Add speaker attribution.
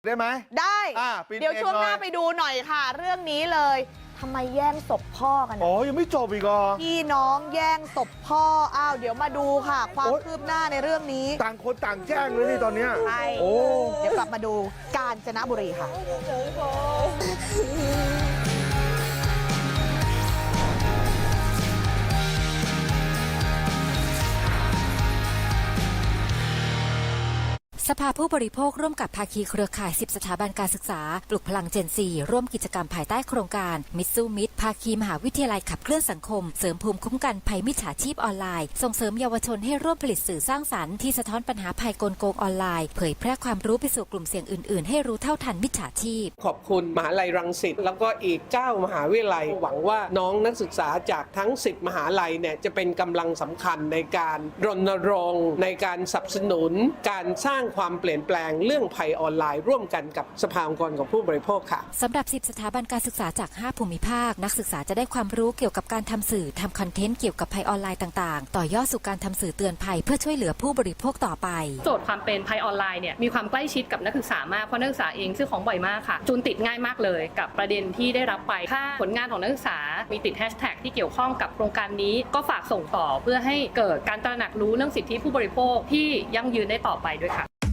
Speaker 1: ได้ไหม
Speaker 2: ได้เดี๋ยวช่วงหน้าไปดูหน่อยค่ะเรื่องนี้เลยทำไมแย่งศพพ่อกัน
Speaker 1: ยังไม่จบอีกเหรอ
Speaker 2: พี่น้องแย่งศพพ่อเดี๋ยวมาดูค่ะความคืบหน้าในเรื่องนี้
Speaker 1: ต่างคนต่างแจ้งเลยนี่ตอนนี้
Speaker 2: ใช่เดี๋ยวกลับมาดูกาญจนบุรีค่ะ
Speaker 3: สภาผู้บริโภคร่วมกับภาคีเครือข่าย10สถาบันการศึกษาปลุกพลังเจนซีร่วมกิจกรรมภายใต้โครงการมิตรสู้มิตรภาคีมหาวิทยาลัยขับเคลื่อนสังคมเสริมภูมิคุ้มกันภัยมิจฉาชีพออนไลน์ส่งเสริมเยาวชนให้ร่วมผลิตสื่อสร้างสรรค์ที่สะท้อนปัญหาภัยกลโกงออนไลน์เผยแพร่ความรู้ไปสู่กลุ่มเสี่ยงอื่นๆให้รู้เท่าทันมิจฉาชีพ
Speaker 4: ขอบคุณมหาลัยรังสิตแล้วก็อีก9มหาวิทยาลัยหวังว่าน้องนักศึกษาจากทั้ง10มหาลัยเนี่ยจะเป็นกำลังสำคัญในการรณรงค์ในการสนับสนุนการสร้างความเปลี่ยนแปลงเรื่องภัยออนไลน์ร่วมกันกับสภาองค์กรของผู้บริโภคค่ะ
Speaker 3: สำหรับ10สถาบันการศึกษาจาก5ภูมิภาคนักศึกษาจะได้ความรู้เกี่ยวกับการทำสื่อทำคอนเทนต์เกี่ยวกับภัยออนไลน์ต่างๆต่อยอดสู่การทำสื่อเตือนภัยเพื่อช่วยเหลือผู้บริโภคต่อไป
Speaker 5: โจทย์ความเป็นภัยออนไลน์เนี่ยมีความใกล้ชิดกับนักศึกษามากเพราะนักศึกษาเองซื้อของบ่อยมากค่ะจูนติดง่ายมากเลยกับประเด็นที่ได้รับไปถ้าผลงานของนักศึกษามีติดแฮชแท็กที่เกี่ยวข้องกับโครงการนี้ก็ฝากส่งต่อเพื่อให้เกิดการตระหนักรู้เรื่องสิทธิผู้บริโภคที่ยั่งยืนได้ต่อไปด้วยค่ะ